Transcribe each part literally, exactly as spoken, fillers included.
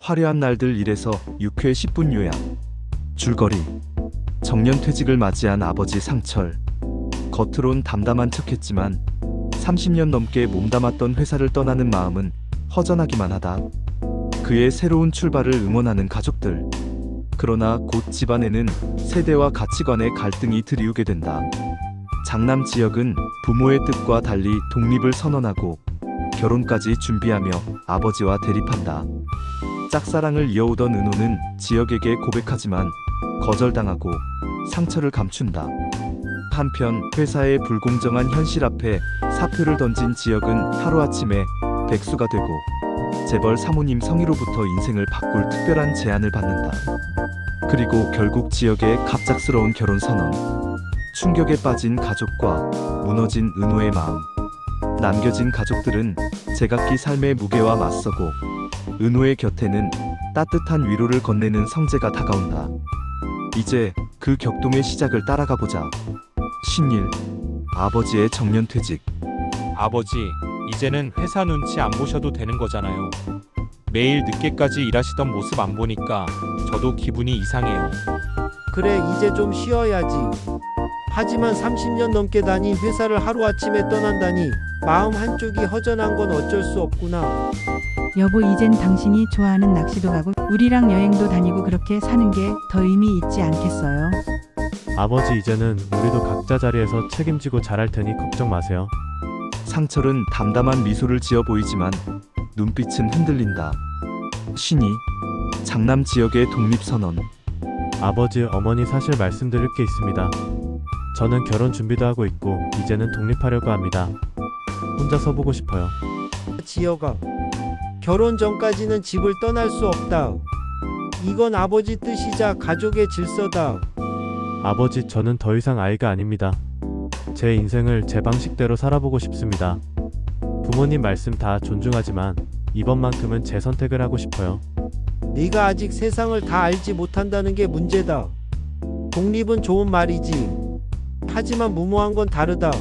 화려한 날들 일에서 육 회 십 분 요약. 줄거리. 정년퇴직을 맞이한 아버지 상철. 겉으론 담담한 척했지만 삼십 년 넘게 몸담았던 회사를 떠나는 마음은 허전하기만 하다. 그의 새로운 출발을 응원하는 가족들. 그러나 곧 집안에는 세대와 가치관의 갈등이 들이우게 된다. 장남 지역은 부모의 뜻과 달리 독립을 선언하고 결혼까지 준비하며 아버지와 대립한다. 짝사랑을 이어오던 은호는 지역에게 고백하지만 거절당하고 상처를 감춘다. 한편 회사의 불공정한 현실 앞에 사표를 던진 지역은 하루아침에 백수가 되고 재벌 사모님 성희로부터 인생을 바꿀 특별한 제안을 받는다. 그리고 결국 지역의 갑작스러운 결혼 선언. 충격에 빠진 가족과 무너진 은호의 마음. 남겨진 가족들은 제각기 삶의 무게와 맞서고 은호의 곁에는 따뜻한 위로를 건네는 성재가 다가온다. 이제 그 격동의 시작을 따라가 보자. 신일. 아버지의 정년퇴직. 아버지, 이제는 회사 눈치 안 보셔도 되는 거잖아요. 매일 늦게까지 일하시던 모습 안 보니까 저도 기분이 이상해요. 그래, 이제 좀 쉬어야지. 하지만 삼십 년 넘게 다닌 회사를 하루아침에 떠난다니 마음 한쪽이 허전한 건 어쩔 수 없구나. 여보, 이젠 당신이 좋아하는 낚시도 가고 우리랑 여행도 다니고 그렇게 사는 게 더 의미 있지 않겠어요? 아버지, 이제는 우리도 각자 자리에서 책임지고 잘할 테니 걱정 마세요. 상철은 담담한 미소를 지어 보이지만 눈빛은 흔들린다. 신이. 장남 지역의 독립선언. 아버지, 어머니, 사실 말씀드릴 게 있습니다. 저는 결혼 준비도 하고 있고 이제는 독립하려고 합니다. 혼자 서보고 싶어요. 지혁아, 결혼 전까지는 집을 떠날 수 없다. 이건 아버지 뜻이자 가족의 질서다. 아버지, 저는 더 이상 아이가 아닙니다. 제 인생을 제 방식대로 살아보고 싶습니다. 부모님 말씀 다 존중하지만 이번만큼은 제 선택을 하고 싶어요. 네가 아직 세상을 다 알지 못한다는 게 문제다. 독립은 좋은 말이지. 하지만 무모한 건 다르다.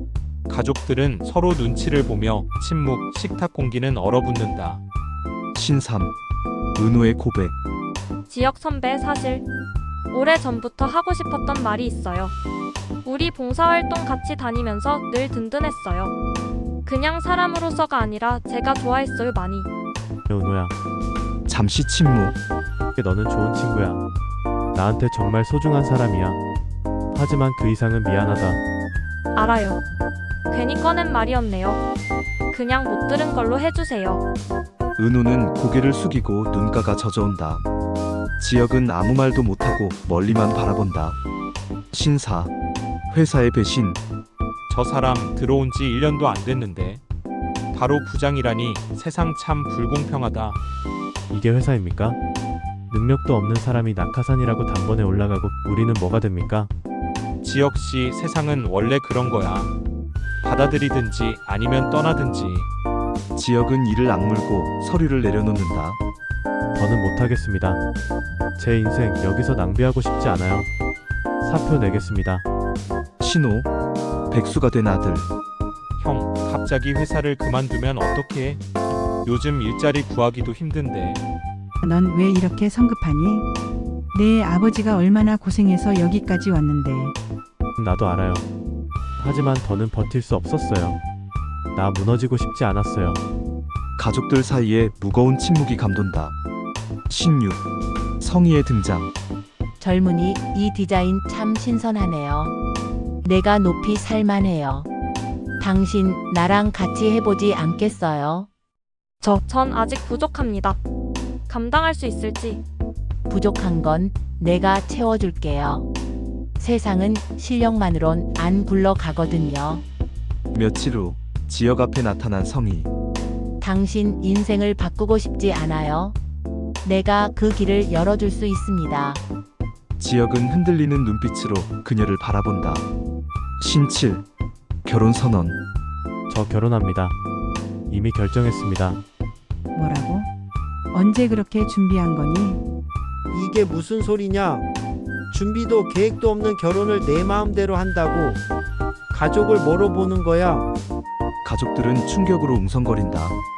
가족들은 서로 눈치를 보며 침묵, 식탁 공기는 얼어붙는다. 신삼. 은호의 고백. 지역 선배, 사실 오래전부터 하고 싶었던 말이 있어요. 우리 봉사활동 같이 다니면서 늘 든든했어요. 그냥 사람으로서가 아니라 제가 좋아했어요, 많이. 은호야, 잠시 침묵. 너는 좋은 친구야. 나한테 정말 소중한 사람이야. 하지만 그 이상은 미안하다. 알아요. 괜히 꺼낸 말이었네요. 그냥 못 들은 걸로 해주세요. 은호는 고개를 숙이고 눈가가 젖어온다. 지역은 아무 말도 못하고 멀리만 바라본다. 신사. 회사의 배신. 저 사람 들어온 지 일 년도 안 됐는데 바로 부장이라니 세상 참 불공평하다. 이게 회사입니까? 능력도 없는 사람이 낙하산이라고 단번에 올라가고 우리는 뭐가 됩니까? 지역 씨, 세상은 원래 그런 거야. 받아들이든지 아니면 떠나든지. 지역은 이를 악물고 서류를 내려놓는다. 더는 못하겠습니다. 제 인생 여기서 낭비하고 싶지 않아요. 사표 내겠습니다. 신호. 백수가 된 아들. 형, 갑자기 회사를 그만두면 어떡해? 요즘 일자리 구하기도 힘든데. 넌 왜 이렇게 성급하니? 내 아버지가 얼마나 고생해서 여기까지 왔는데. 나도 알아요. 하지만 더는 버틸 수 없었어요. 나 무너지고 싶지 않았어요. 가족들 사이에 무거운 침묵이 감돈다. 신육. 성희의 등장. 젊은이, 이 디자인 참 신선하네요. 내가 높이 살만해요. 당신 나랑 같이 해보지 않겠어요? 저, 전 아직 부족합니다. 감당할 수 있을지. 부족한 건 내가 채워줄게요. 세상은 실력만으론 안 굴러가거든요. 며칠 후 지역 앞에 나타난 성희. 당신 인생을 바꾸고 싶지 않아요? 내가 그 길을 열어줄 수 있습니다. 지역은 흔들리는 눈빛으로 그녀를 바라본다. 신칠. 결혼 선언. 저 결혼합니다. 이미 결정했습니다. 뭐라고? 언제 그렇게 준비한 거니? 이게 무슨 소리냐? 준비도 계획도 없는 결혼을 내 마음대로 한다고? 가족을 뭐로 보는 거야? 가족들은 충격으로 웅성거린다.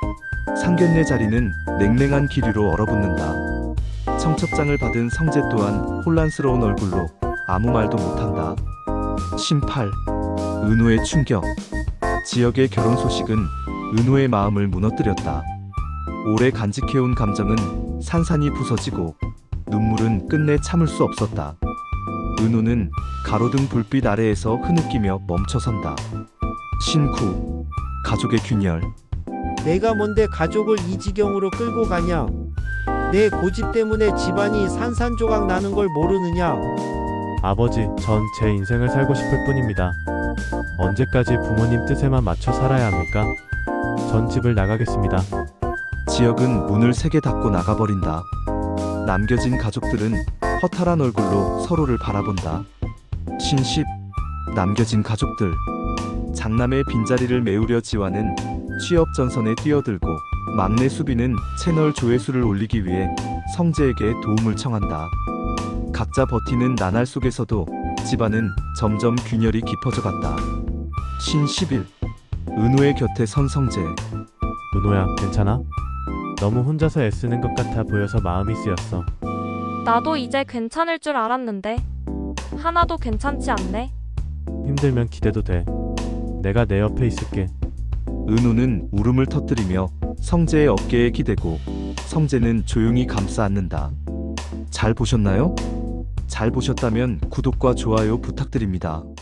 상견례 자리는 냉랭한 기류로 얼어붙는다. 청첩장을 받은 성재 또한 혼란스러운 얼굴로 아무 말도 못한다. 신팔. 은호의 충격. 지역의 결혼 소식은 은호의 마음을 무너뜨렸다. 오래 간직해온 감정은 산산이 부서지고 눈물은 끝내 참을 수 없었다. 은호는 가로등 불빛 아래에서 흐느끼며 멈춰선다. 신구. 가족의 균열. 내가 뭔데 가족을 이 지경으로 끌고 가냐? 내 고집 때문에 집안이 산산조각 나는 걸 모르느냐? 아버지, 전 제 인생을 살고 싶을 뿐입니다. 언제까지 부모님 뜻에만 맞춰 살아야 합니까? 전 집을 나가겠습니다. 지역은 문을 세게 닫고 나가버린다. 남겨진 가족들은 허탈한 얼굴로 서로를 바라본다. 신십. 남겨진 가족들. 장남의 빈자리를 메우려 지화는 취업 전선에 뛰어들고 막내 수비는 채널 조회수를 올리기 위해 성재에게 도움을 청한다. 각자 버티는 나날 속에서도 집안은 점점 균열이 깊어져 갔다. 신십일. 은호의 곁에 선 성재. 은호야, 괜찮아? 너무 혼자서 애쓰는 것 같아 보여서 마음이 쓰였어. 나도 이제 괜찮을 줄 알았는데 하나도 괜찮지 않네. 힘들면 기대도 돼. 내가 내 옆에 있을게. 은호는 울음을 터뜨리며 성재의 어깨에 기대고 성재는 조용히 감싸 안는다. 잘 보셨나요? 잘 보셨다면 구독과 좋아요 부탁드립니다.